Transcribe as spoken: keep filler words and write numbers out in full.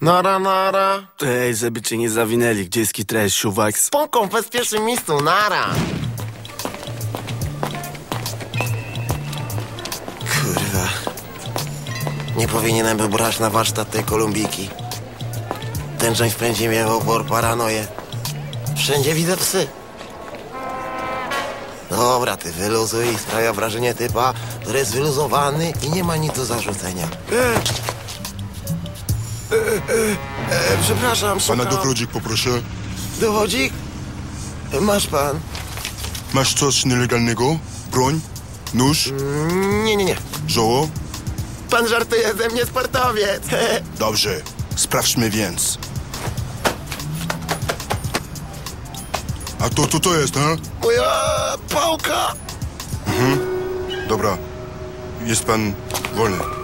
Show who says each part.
Speaker 1: Nara, nara.
Speaker 2: Ej, żeby cię nie zawinęli, gdzie jest kitres, siuwak?
Speaker 1: Spoko, w bezpiecznym miejscu, nara. Kurwa. Nie powinienem był brać na warsztat tej Kolumbiki. Ten część wpędzi mnie w opór, paranoję. Wszędzie widzę psy. Dobra, ty wyluzuj i sprawia wrażenie typa, który jest wyluzowany i nie ma nic do zarzucenia. E, e, e, e, przepraszam, szukam.
Speaker 3: Pana dowodzik poproszę.
Speaker 1: Dowodzik? Masz pan.
Speaker 3: Masz coś nielegalnego? Broń? Nóż?
Speaker 1: Mm, nie, nie, nie.
Speaker 3: Żoło?
Speaker 1: Pan żartuje ze mnie, sportowiec.
Speaker 3: Dobrze, sprawdźmy więc. A to, to, to jest, ha?
Speaker 1: Moja pałka.
Speaker 3: Mhm. Dobra, jest pan wolny.